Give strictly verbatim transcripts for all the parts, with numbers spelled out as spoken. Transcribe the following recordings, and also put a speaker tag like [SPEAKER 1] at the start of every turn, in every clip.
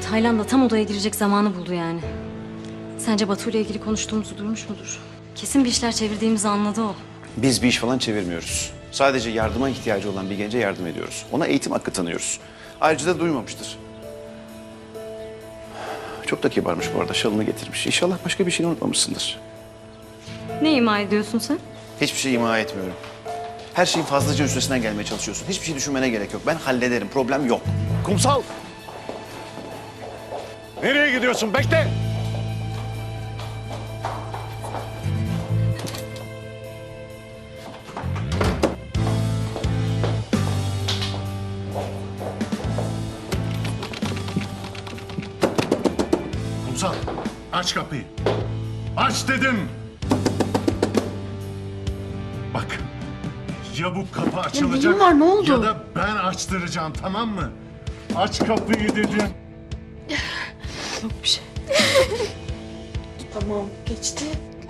[SPEAKER 1] Taylan da tam odaya girecek zamanı buldu yani. Sence Batu ile ilgili konuştuğumuzu duymuş mudur? Kesin bir işler çevirdiğimizi anladı o.
[SPEAKER 2] Biz bir iş falan çevirmiyoruz. Sadece yardıma ihtiyacı olan bir gence yardım ediyoruz. Ona eğitim hakkı tanıyoruz. Ayrıca da duymamıştır. Çok da kibarmış bu arada, şalını getirmiş. İnşallah başka bir şey unutmamışsındır.
[SPEAKER 1] Ne ima ediyorsun sen?
[SPEAKER 2] Hiçbir şey ima etmiyorum. Her şeyin fazlaca üstesinden gelmeye çalışıyorsun. Hiçbir şey düşünmene gerek yok. Ben hallederim, problem yok.
[SPEAKER 3] Kumsal! Nereye gidiyorsun? Bekle! Kumsal, aç kapıyı. Aç dedim! Bak, ya bu kapı açılacak
[SPEAKER 1] neyin var, ne oldu?
[SPEAKER 3] ya da ben açtıracağım, tamam mı? Aç kapıyı dedim.
[SPEAKER 1] Yok bir şey.
[SPEAKER 4] Tamam, geçti.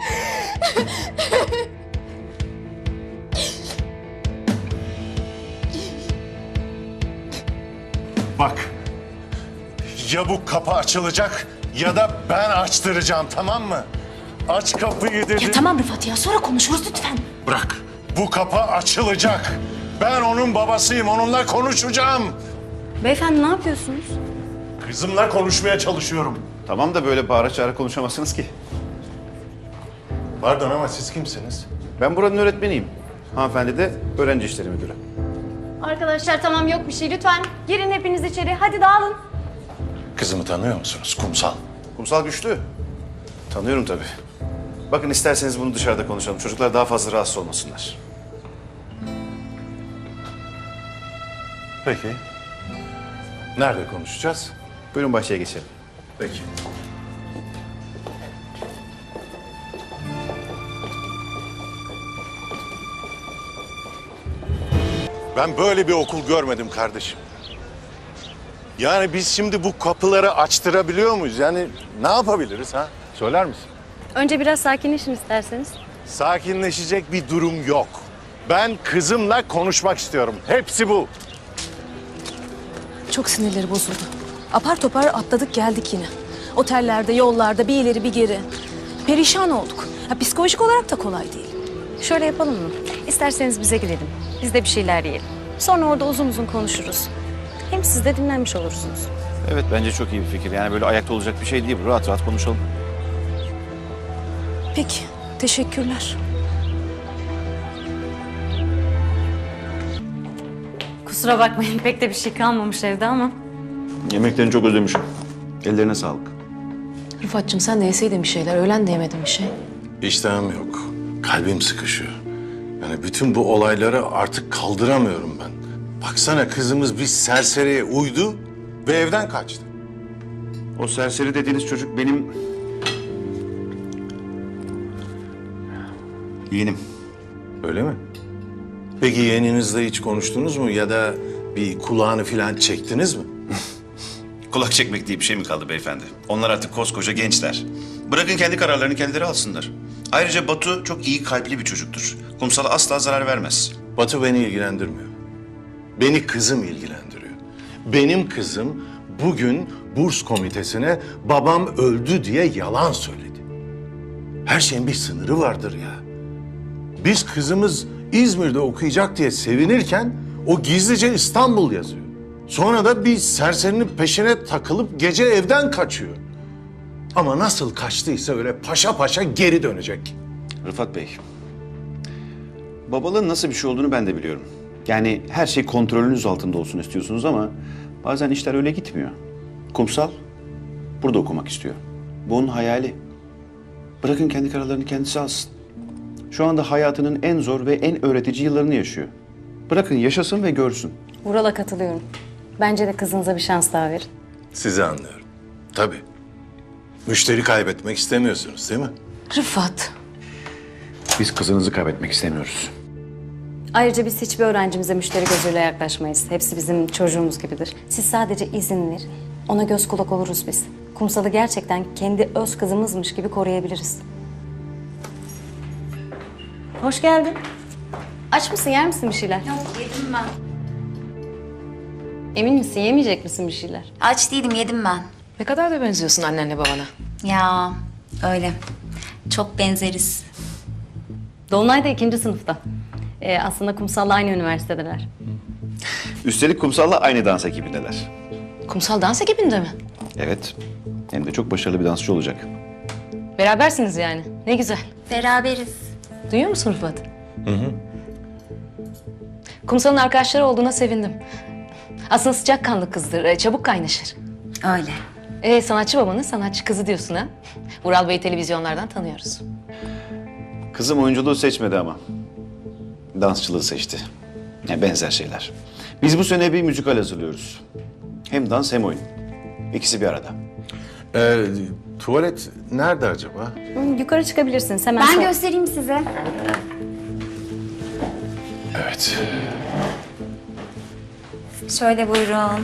[SPEAKER 3] Bak, ya bu kapı açılacak ya da ben açtıracağım, tamam mı? Aç kapıyı dedim.
[SPEAKER 4] Ya tamam Rıfat ya, sonra konuşuruz lütfen.
[SPEAKER 3] Bırak, bu kapı açılacak. Ben onun babasıyım, onunla konuşacağım.
[SPEAKER 1] Beyefendi ne yapıyorsunuz?
[SPEAKER 3] Kızımla konuşmaya çalışıyorum.
[SPEAKER 2] Tamam da böyle bağıra çağıra konuşamazsınız ki.
[SPEAKER 3] Pardon ama siz kimsiniz?
[SPEAKER 2] Ben buranın öğretmeniyim. Hanımefendi de öğrenci işleri müdürü.
[SPEAKER 1] Arkadaşlar tamam yok bir şey lütfen. Girin hepiniz içeri hadi dağılın.
[SPEAKER 3] Kızımı tanıyor musunuz? Kumsal.
[SPEAKER 2] Kumsal Güçlü. Tanıyorum tabii. Bakın isterseniz bunu dışarıda konuşalım. Çocuklar daha fazla rahatsız olmasınlar.
[SPEAKER 3] Peki. Nerede konuşacağız?
[SPEAKER 2] Buyurun bahçeye geçelim.
[SPEAKER 3] Peki. Ben böyle bir okul görmedim kardeşim. Yani biz şimdi bu kapıları açtırabiliyor muyuz? Yani ne yapabiliriz ha? Söyler misin?
[SPEAKER 1] Önce biraz sakinleşin isterseniz.
[SPEAKER 3] Sakinleşecek bir durum yok. Ben kızımla konuşmak istiyorum. Hepsi bu.
[SPEAKER 4] Çok sinirleri bozuldu. Apar topar atladık geldik yine. Otellerde, yollarda bir ileri bir geri. Perişan olduk. Ha, psikolojik olarak da kolay değil.
[SPEAKER 1] Şöyle yapalım mı? İsterseniz bize gidelim. Biz de bir şeyler yiyelim. Sonra orada uzun uzun konuşuruz. Hem siz de dinlenmiş olursunuz.
[SPEAKER 2] Evet bence çok iyi bir fikir. Yani böyle ayakta olacak bir şey değil bu. Rahat rahat konuşalım.
[SPEAKER 4] Peki, teşekkürler.
[SPEAKER 1] Kusura bakmayın pek de bir şey kalmamış evde ama.
[SPEAKER 2] Yemeklerini çok özlemişim. Ellerine sağlık.
[SPEAKER 4] Rıfat'cığım sen de yeseydin bir şeyler. Öğlen de yemedin bir şey.
[SPEAKER 3] İştahım yok. Kalbim sıkışıyor. Yani bütün bu olayları artık kaldıramıyorum ben. Baksana kızımız bir serseriye uydu ve evden kaçtı.
[SPEAKER 2] O serseri dediğiniz çocuk benim... yeğenim.
[SPEAKER 3] Öyle mi? Peki yeğeninizle hiç konuştunuz mu ya da bir kulağını falan çektiniz mi?
[SPEAKER 2] Kulak çekmek diye bir şey mi kaldı beyefendi? Onlar artık koskoca gençler. Bırakın kendi kararlarını kendileri alsınlar. Ayrıca Batu çok iyi kalpli bir çocuktur. Kumsal'a asla zarar vermez.
[SPEAKER 3] Batu beni ilgilendirmiyor. Beni kızım ilgilendiriyor. Benim kızım bugün burs komitesine babam öldü diye yalan söyledi. Her şeyin bir sınırı vardır ya. Biz kızımız İzmir'de okuyacak diye sevinirken o gizlice İstanbul yazıyor. Sonra da bir serserinin peşine takılıp gece evden kaçıyor. Ama nasıl kaçtıysa öyle paşa paşa geri dönecek.
[SPEAKER 2] Rıfat Bey, babalığın nasıl bir şey olduğunu ben de biliyorum. Yani her şey kontrolünüz altında olsun istiyorsunuz ama bazen işler öyle gitmiyor. Kumsal burada okumak istiyor. Bu onun hayali. Bırakın kendi kararlarını kendisi alsın. Şu anda hayatının en zor ve en öğretici yıllarını yaşıyor. Bırakın yaşasın ve görsün.
[SPEAKER 1] Vural'a katılıyorum. Bence de kızınıza bir şans daha verin.
[SPEAKER 3] Sizi anlıyorum. Tabii. Müşteri kaybetmek istemiyorsunuz değil mi?
[SPEAKER 4] Rıfat,
[SPEAKER 2] Biz kızınızı kaybetmek istemiyoruz.
[SPEAKER 1] Ayrıca biz hiçbir öğrencimize müşteri gözüyle yaklaşmayız. Hepsi bizim çocuğumuz gibidir. Siz sadece izin verin. Ona göz kulak oluruz biz. Kumsal'ı gerçekten kendi öz kızımızmış gibi koruyabiliriz. Hoş geldin. Aç mısın, yer misin bir şeyler?
[SPEAKER 5] Yok, yedim ben.
[SPEAKER 1] Emin misin, yemeyecek misin bir şeyler?
[SPEAKER 5] Aç değilim, yedim ben.
[SPEAKER 4] Ne kadar da benziyorsun annenle babana.
[SPEAKER 5] Ya öyle. Çok benzeriz.
[SPEAKER 1] Dolunay da ikinci sınıfta. Ee, aslında Kumsal'la aynı üniversitedeler.
[SPEAKER 2] Üstelik Kumsal'la aynı dans ekibindeler.
[SPEAKER 4] Kumsal dans ekibinde mi?
[SPEAKER 2] Evet. Hem de çok başarılı bir dansçı olacak.
[SPEAKER 4] Berabersiniz yani. Ne güzel.
[SPEAKER 5] Beraberiz.
[SPEAKER 4] Duyuyor musun Rıfat? Hı hı. Kumsal'ın arkadaşları olduğuna sevindim. Aslında sıcakkanlı kızdır, e, çabuk kaynaşır.
[SPEAKER 5] Öyle.
[SPEAKER 4] E, sanatçı babanın sanatçı kızı diyorsun ha? Ural Bey'i televizyonlardan tanıyoruz.
[SPEAKER 2] Kızım oyunculuğu seçmedi ama. Dansçılığı seçti. Yani benzer şeyler. Biz bu sene bir müzikal hazırlıyoruz. Hem dans hem oyun. İkisi bir arada.
[SPEAKER 3] Ee, tuvalet nerede acaba?
[SPEAKER 1] Hı, yukarı çıkabilirsiniz hemen.
[SPEAKER 5] Ben
[SPEAKER 1] sol-
[SPEAKER 5] göstereyim size.
[SPEAKER 3] Evet.
[SPEAKER 5] Şöyle buyurun.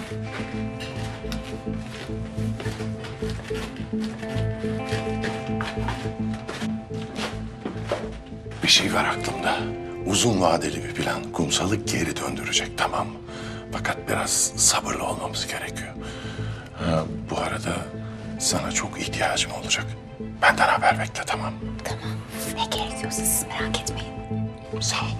[SPEAKER 3] Bir şey var aklımda. Uzun vadeli bir plan. Kumsal'ı geri döndürecek, tamam mı? Fakat biraz sabırlı olmamız gerekiyor. Ha, bu arada sana çok ihtiyacım olacak. Benden haber bekle, tamam mı?
[SPEAKER 5] Ne gerekiyorsa siz merak etmeyin.
[SPEAKER 3] Sağ ol.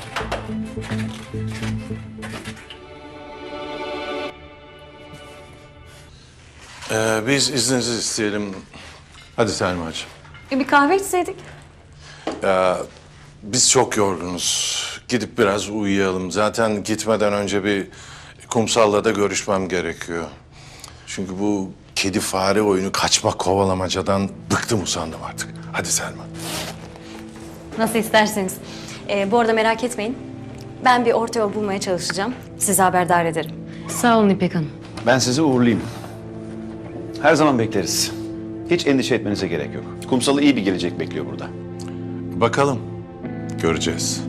[SPEAKER 3] Ee, biz izninizi isteyelim. Hadi Selma'cığım.
[SPEAKER 1] E, bir kahve içseydik.
[SPEAKER 3] Biz çok yorgunuz. Gidip biraz uyuyalım. Zaten gitmeden önce bir Kumsal'la da görüşmem gerekiyor. Çünkü bu kedi fare oyunu, kaçma kovalamacadan bıktım usandım artık. Hadi Selma.
[SPEAKER 1] Nasıl isterseniz. Ee, bu arada merak etmeyin. Ben bir orta yol bulmaya çalışacağım. Sizi haberdar ederim.
[SPEAKER 4] Sağ olun İpek Hanım.
[SPEAKER 2] Ben sizi uğurlayayım. Her zaman bekleriz. Hiç endişe etmenize gerek yok. Kumsal'ı iyi bir gelecek bekliyor burada.
[SPEAKER 3] Bakalım. Göreceğiz.